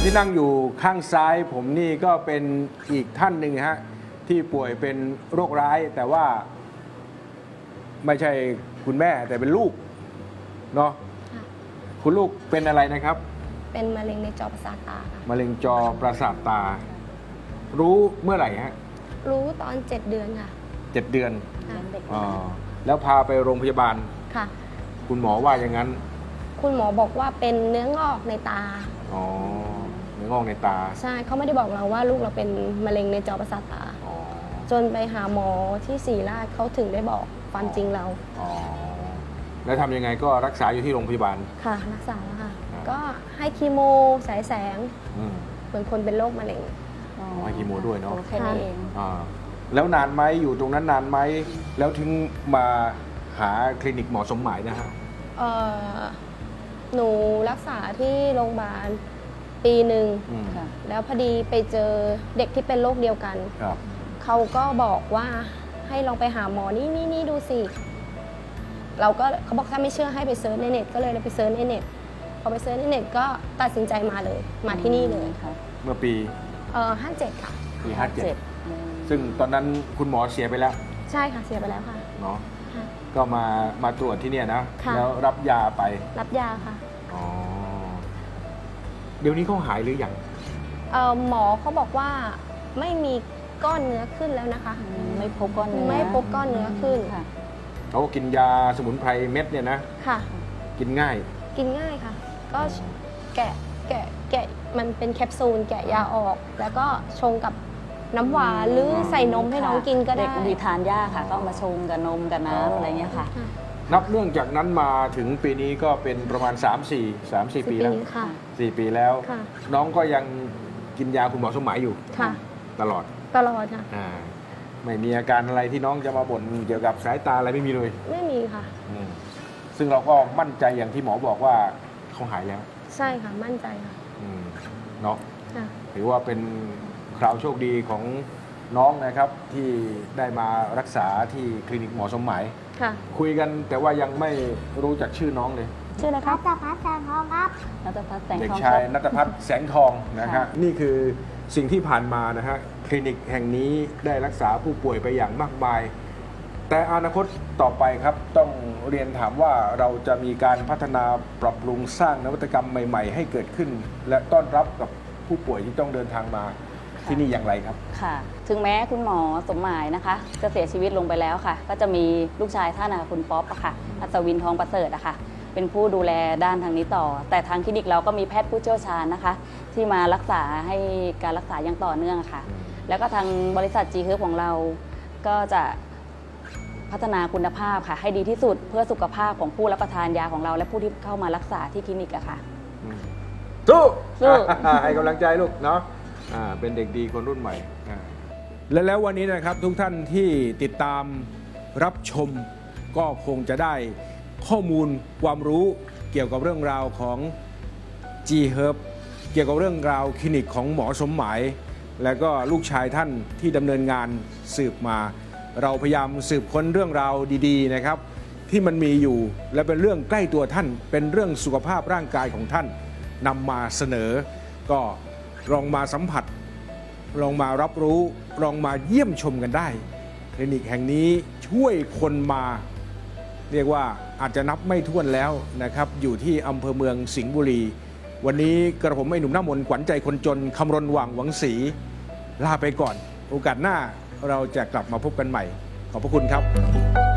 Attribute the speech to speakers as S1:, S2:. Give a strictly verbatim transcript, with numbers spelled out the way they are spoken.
S1: ที่นั่งอยู่ข้างซ้ายผมนี่ก็เป็นอีกท่านหนึ่งฮะที่ป่วยเป็นโรคร้ายแต่ว่าไม่ใช่คุณแม่แต่เป็นลูกเนาะคุณลูกเป็นอะไรนะครับ
S2: เป็นมะเร็งในจอประสาทตาค่ะ
S1: มะเร็งจอประสาทตา รู้เมื่อไหร่ฮะ
S2: รู้ตอนเจ็ดเดือนค่ะ
S1: เจ็ดเดือน
S2: อ๋อ
S1: แล้วพาไปโรงพยาบาล
S2: ค่ะ
S1: คุณหมอว่าอย่างนั้น
S2: คุณหมอบอกว่าเป็นเนื้องอกในตา
S1: อ๋อเนื้องอกในตา
S2: ใช่เขาไม่ได้บอกเราว่าลูกเราเป็นมะเร็งในจอประสาทตาจนไปหาหมอที่ศรีราชเขาถึงได้บอกความจริงเรา
S1: อ๋อแล้วทำยังไงก็รักษาอยู่ที่โรงพยาบาล
S2: ค่ะรักษาแล้วค่ะก็ให้คีโมฉายแสงเหมือนคนเป็นโรคมะเร็ง
S1: ให้คีโมด้วยเนาะ
S2: แค่นี้เอง
S1: แล้วนานไหมอยู่ตรงนั้นนานไหมแล้วถึงมาหาคลินิกหมอสมหมายนะฮะ
S2: หนูรักษาที่โรงพยาบาลปีหนึ่งแล้วพอดีไปเจอเด็กที่เป็นโรคเดียวกันเขาก็บอกว่าให้ลองไปหาหมอนี่นี่นี่ดูสิเราก็เขาบอกถ้าไม่เชื่อให้ไปเซิร์ชในเน็ตก็เลยไปเซิร์ชในเน็ตพอไปเซิร์ชในเน็ตก็ตัดสินใจมาเลยมาที่นี่เลย
S1: ค่ะเมื่อปี
S2: เอ่อห้าเจ็ดค่ะ
S1: ปีห้าเจ็ดซึ่งตอนนั้นคุณหมอเสียไปแล้ว
S2: ใช่ค่ะเสียไปแล้วค่ะ
S1: เนาะก็มามาตรวจที่เนี่ยนะแล้วรับยาไป
S2: รับยาค่ะ
S1: อ๋อเดี๋ยวนี้เขาหายหรือยัง
S2: เอ่อหมอเขาบอกว่าไม่มีก้อนเนื้อขึ้นแล้วนะคะ
S3: ไม่พบก้อนเนื้อ
S2: ไม่พบก้อนเนื้อขึ้น
S3: ค่ะ
S1: เขากินยาสมุนไพรเม็ดเนี่ยนะ
S2: ค่ะ
S1: กินง่าย
S2: กินง่ายค่ะก็แกะแกะแกะมันเป็นแคปซูลแกะยาออกแล้วก็ชงกับน้ำหวานหรือใส่นมให้น้องกินก็ได้
S3: เด็กดีทานยากค่ะก็มาชงกับนมกับน้ำอะไรเงี้ยค่ะ
S1: นับเรื่องจากนั้นมาถึงปีนี้ก็เป็นประมาณ สาม สี่ สาม สี่ ปีแล้วสี่ปีแล้วน้องก็ยังกินยาคุณหมอสมหมายอยู่ตลอด
S2: ตลอดค่ะ
S1: ไม่มีอาการอะไรที่น้องจะมาบ่นเกี่ยวกับสายตาอะไรไม่มีเลย
S2: ไม่มีค่ะ
S1: ซึ่งเราก็มั่นใจอย่างที่หมอบอกว่าเขาหายแล้ว
S2: ใช่ค่ะมั่นใจค่ะ
S1: เนาะถือว่าเป็นคราวโชคดีของน้องนะครับที่ได้มารักษาที่คลินิกหมอสมหมายคุยกันแต่ว่ายังไม่รู้จักชื่อน้องเลย
S2: ชื่ออะไรครับ
S4: นัทพัฒน์แสงทองครับ
S3: นัทพัฒน์แสงทอง
S1: เด็กชายนัทพัฒน์แสงทองนะครับนี่คือสิ่งที่ผ่านมานะฮะคลินิกแห่งนี้ได้รักษาผู้ป่วยไปอย่างมากมายแต่อนาคตต่อไปครับต้องเรียนถามว่าเราจะมีการพัฒนาปรับปรุงสร้างนวัตกรรมใหม่ๆให้เกิดขึ้นและต้อนรับกับผู้ป่วยที่ต้องเดินทางมาที่นี่อย่างไรครับ
S3: ค่ะถึงแม้คุณหมอสมหมายนะคะจะเสียชีวิตลงไปแล้วค่ะก็จะมีลูกชายท่านคุณป๊อปอะค่ะอัศวินทองประเสริฐอะค่ะเป็นผู้ดูแลด้านทางนี้ต่อแต่ทางคลินิกเราก็มีแพทย์ผู้เชี่ยวชาญนะคะที่มารักษาให้การรักษาอย่างต่อเนื่องค่ะแล้วก็ทางบริษัท จี เฮิร์บ ของเราก็จะพัฒนาคุณภาพค่ะให้ดีที่สุดเพื่อสุขภาพของผู้รับประทานยาของเราและผู้ที่เข้ามารักษาที่คลินิกอะค่ะ
S1: สู้สู้ให้กำลังใจลูกเนาะเป็นเด็กดีคนรุ่นใหม่และแล้ววันนี้นะครับทุกท่านที่ติดตามรับชมก็คงจะได้ข้อมูลความรู้เกี่ยวกับเรื่องราวของ จี เฮิร์บ เกี่ยวกับเรื่องราวคลินิกของหมอสมหมายและก็ลูกชายท่านที่ดำเนินงานสืบมาเราพยายามสืบค้นเรื่องราวดีๆนะครับที่มันมีอยู่และเป็นเรื่องใกล้ตัวท่านเป็นเรื่องสุขภาพร่างกายของท่านนำมาเสนอก็ลองมาสัมผัสลองมารับรู้ลองมาเยี่ยมชมกันได้คลินิกแห่งนี้ช่วยคนมาเรียกว่าอาจจะนับไม่ถ้วนแล้วนะครับอยู่ที่อำเภอเมืองสิงห์บุรีวันนี้กระผมไอ้หนุ่มหน้ามนต์ขวัญใจคนจนคำรณหว่างหวังศรีลาไปก่อนโอกาสหน้าเราจะกลับมาพบกันใหม่ขอบพระคุณครับ